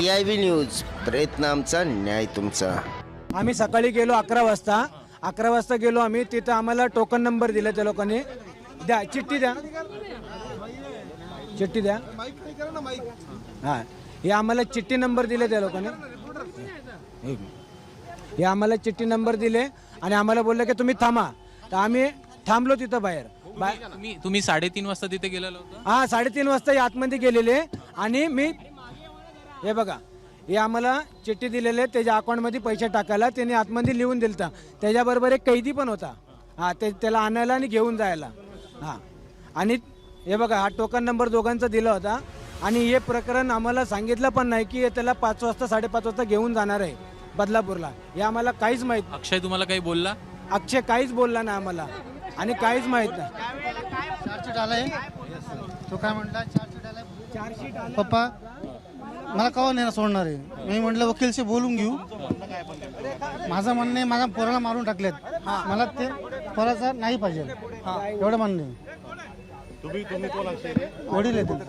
PIB news, प्रयत्न आमचा, न्याय तुमचा. आम्ही सकाळी गेलो 11 वाजता गेलो आम्ही. तिथं आम्हाला टोकन नंबर दिले त्या लोकांनी. द्या चिठ्ठी द्या हां, हे आम्हाला चिठ्ठी नंबर दिले त्या लोकांनी. हे आम्हाला चिठ्ठी नंबर दिले आणि आम्हाला बोलले की तुम्ही थांबा. तर आम्ही थांबलो तिथं बाहेर. तुम्ही 3:30 वाजता तिथे गेलेला होता? हां, 3:30 वाजता आतमध्ये गेलेले. आणि मी हे बघा, हे आम्हाला चिठ्ठी दिलेले, त्याच्या अकाउंटमध्ये पैसे टाकायला त्यांनी आतमध्ये लिहून दिलता. त्याच्याबरोबर एक कैदी पण होता. हां, त्याला आणायला आणि घेऊन जायला. हां, आणि हे बघा, हा टोकन नंबर दोघांचा दिला होता. आणि हे प्रकरण आम्हाला सांगितलं पण नाही की त्याला 5 वाजता 5:30 वाजता घेऊन जाणार आहे बदलापूरला. हे आम्हाला काहीच माहीत. अक्षय तुम्हाला काही बोलला? अक्षय काहीच बोलला नाही आम्हाला आणि काहीच माहीत नाही. चार्जशीट आलाय, तो काय म्हटला, चार्जशीट आलाय पप्पा, मला कवा नाही सोडणार आहे. मी म्हटलं वकीलशी बोलून घेऊ. माझं म्हणणं आहे, माझ्या पोराला मारून टाकलेत, मला ते पोराचा नाही पाहिजे, एवढं म्हणणं आहे. वडील आहेत.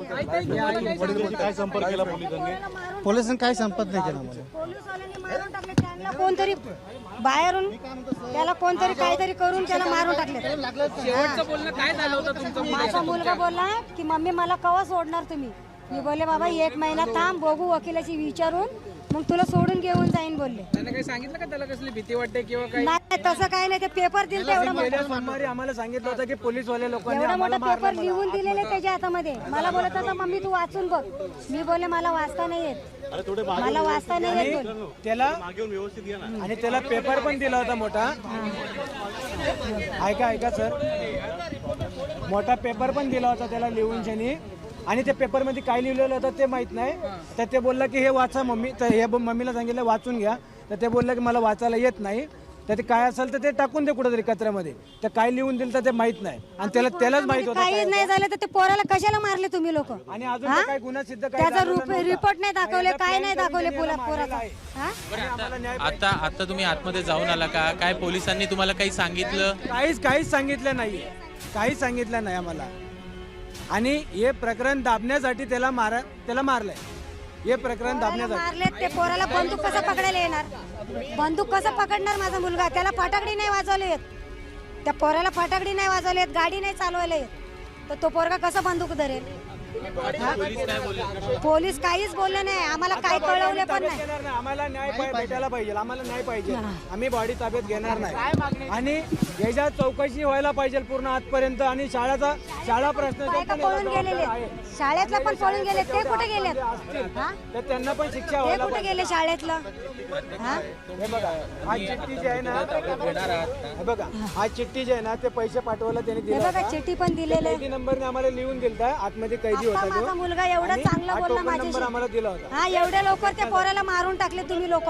पोलिसांनी काय संपर्क नाही केला मला. पोलिसवाल्यांनी मारून टाकले त्यांना. कोणतरी बाहेरून त्याला कोणतरी काहीतरी करून त्याला मारून टाकले. शेवटचं बोलणं काय झालं होतं तुमचं? माझा मुलगा बोलला की मम्मी मला कवा सोडणार तुम्ही. मी बोलले बाबा 1 महिना थांब, बघू वकिलाची विचारून, मग तुला सोडून घेऊन जाईन बोलले. त्याने काही सांगितलं का त्याला कसली भीती वाटते किंवा काय? नाही, तसं काही नाही. ते पेपर दिले एवढा मोठा, सोमवारी आम्हाला सांगितलं होतं की पोलीसवाले लोकांनी एवढा आम्हाला मोठा पेपर लिहून दिलेले त्याच्या हातामध्ये. मला बोलत होता मम्मी तू वाचून बघ. मी बोलले मला वाचता नाही येत, मला वाचता नाही येत बोल. त्याला आणि त्याला पेपर पण दिला होता मोठा. ऐका सर, मोठा पेपर पण दिला होता त्याला लिहून शनी. आणि त्या पेपरमध्ये काय लिहिलेलं होतं ते माहित नाही. तर ते बोललं की हे वाचा मम्मी. तर हे मम्मीला सांगितलं वाचून घ्या. तर ते बोललं की मला वाचायला येत नाही. तर ते काय असेल तर ते टाकून दे कुठेतरी कचऱ्यामध्ये. तर काय लिहून दिलं तर ते माहित नाही. आणि त्यालाच माहित होतं. काहीच नाही झालं तर ते पोराला कशाला मारले तुम्ही लोक? आणि अजून काय गुन्हा सिद्ध त्याचा रिपोर्ट नाही दाखवले, काय नाही दाखवले पोराचा. हा? आता तुम्ही आतमध्ये जाऊन आला का? काय पोलिसांनी तुम्हाला काही सांगितलं? काहीच सांगितलं नाही. काहीच सांगितलं नाही आम्हाला. आणि हे प्रकरण दाबण्यासाठी त्याला मारलंय. हे प्रकरण दाबण्यासाठी मारले. ते पोराला बंदूक कसं पकडायला येणार? बंदूक कसं पकडणार माझा मुलगा? त्याला फटाकडी नाही वाजवले येत. त्या पोराला फटाकडी नाही वाजवले येत, गाडी नाही चालवायला येत. तर तो पोरगा कसा बंदूक धरेल? पोलीस काहीच बोलले नाही आम्हाला, काय कळवले पण नाही. आम्हाला न्याय भेटायला पाहिजे. आम्हाला न्याय पाहिजे. आम्ही बॉडी ताब्यात घेणार नाही. आणि याच्या चौकशी व्हायला पाहिजे पूर्ण आजपर्यंत. आणि शाळा प्रश्न पळून गेलेले, शाळेतला पण पळून गेले. ते कुठे गेले? तर त्यांना पण शिक्षा ते व्हायला कुठे गेले शाळेतलं? हे बघा, हा चिठ्ठी जी आहे ना, हे बघा, हा चिठ्ठी जी आहे ना, ते पैसे पाठवायला त्यांनी हे दिला. बघा चिठ्ठी पण दिलेले. कैदी नंबरने आम्हाला लिहून दिलता. आतमध्ये कैदी होता माझा तो. मुलगा एवढा चांगला हा बोलला टोकन नंबर माझ्याशी. आम्हाला दिला होता. हा, एवढ्या लवकर त्या पोराला मारून टाकले तुम्ही लोक.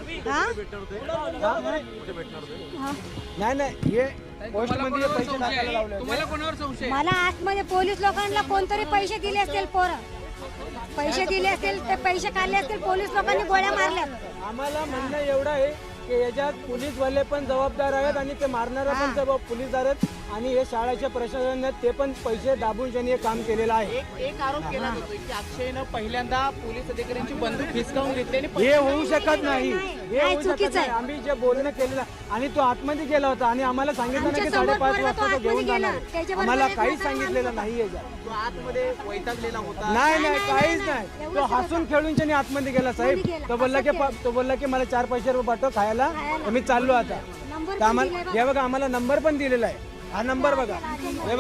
नाही, हे पोस्ट मध्ये पैसे टाकायला लावले. तुम्हाला कोणावर संशय? मला आतमध्ये पोलीस लोकांना कोणतरी पैसे दिले असतील. पैसे दिले असतील, ते पैसे काढले असतील. पोलीस लोकांनी गोळ्या मारल्या. आम्हाला म्हणणं एवढं आहे की याच्यात पोलीसवाले पण जबाबदार आहेत आणि ते मारणारा पण पोलीसदार आहेत. आणि हे शाळेच्या प्रशासनाने ते पण पैसे दाबून त्यांनी हे काम केलेलं आहे. एक आरोप केला जातो की अक्षयनं पहिल्यांदा पोलीस अधिकाऱ्यांची बंदूक हिसकावून घेतली आणि हे होऊ शकत नाही. हे नाही, होऊ शकत चुकीचं नाही. आहे. आम्ही जे बोलणं केलेलं आणि तो आतमध्ये गेला होता आणि आम्हाला सांगितलं नाही की आमच्या समोर 5:30 वाजता तो आतमध्ये घेऊन गेला. जाणार. त्याच्याबरोबर आम्हाला एक काहीच नंतर सांगितलेलं नाही याच्यात. तो आतमध्ये वैतागलेला होता. नाही, काहीच नाही. तो हसून खेळून त्यांनी आतमध्ये गेला साहेब. तो बोलला की मला 4 पैसे पाठव खायला. तर मी चाललो आता. तर आम्हाला हे बघा, आम्हाला नंबर पण दिलेला आहे. हा नंबर बघा, हे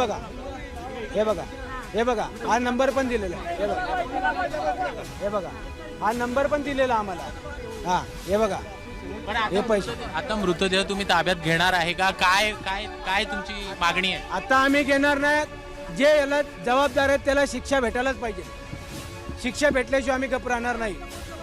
बघा, हा नंबर पण दिलेला आहे. हे बघा, हा नंबर पण दिलेला आम्हाला. हा, हे बघा, हे पैसे. आता मृतदेह तुम्ही ताब्यात घेणार आहे का? काय तुमची मागणी आहे? आता आम्ही घेणार नाही. जे याला जबाबदार आहेत त्याला शिक्षा भेटायलाच पाहिजे. शिक्षा भेटल्याशिवाय आम्ही गप्प राहणार नाही.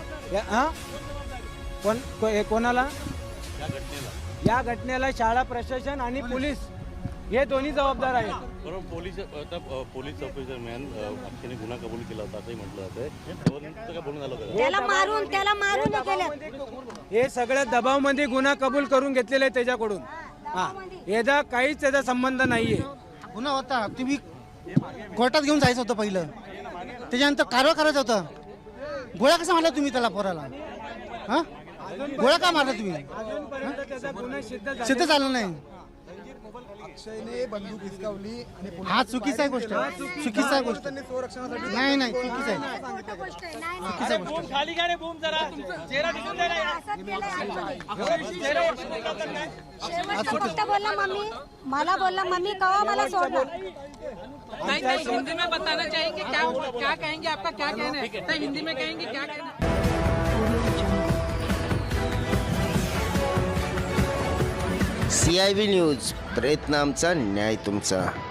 कोणाला? या घटनेला शाळा प्रशासन आणि पोलीस हे दोन्ही जबाबदार आहेत. बरोबर. पोलीस ऑफिसर मॅन अक्षयने गुन्हा कबूल केला होता असंही म्हटलं जातंय. काय बोलून झालं होतं? त्याला मारून केलं. हे सगळ्या दबावमध्ये गुन्हा कबूल करून घेतलेले आहे त्याच्याकडून. हा, याचा काहीच त्याचा संबंध नाहीये. गुन्हा होता, तुम्ही कोर्टात घेऊन जायचं होतं पहिलं, त्याच्यानंतर कारवाई करायचं होतं. गोळ्या कसा मारला तुम्ही त्याला पोराला? हा, गोळ्या का मारला तुम्ही? अजूनपर्यंत त्याचा गुन्हा सिद्ध सिद्ध झालं नाही. अक्षयने बंदूक हिसकावली आणि हा चुकीचा आहे गोष्ट, चुकीचा आहे गोष्ट. नाही नाही चुकीचा आहे, खोटं गोष्ट आहे. नाही, नाही. चुकीचा आहे गोष्ट. खाली गाडी बूम जरा चेहरा दिसून दे ना. असंच केलंय आमच्याने. शेवटचं फक्त बोलला मम्मी, मला बोलला मम्मी कवा मला सोडणार. नहीं नहीं हिंदी में बताना चाहेंगे क्या क्या कहेंगे आपका क्या कहना है तो हिंदी में कहेंगे क्या कहना है CIB न्यूज प्रयत्न आमचा न्याय तुमचा.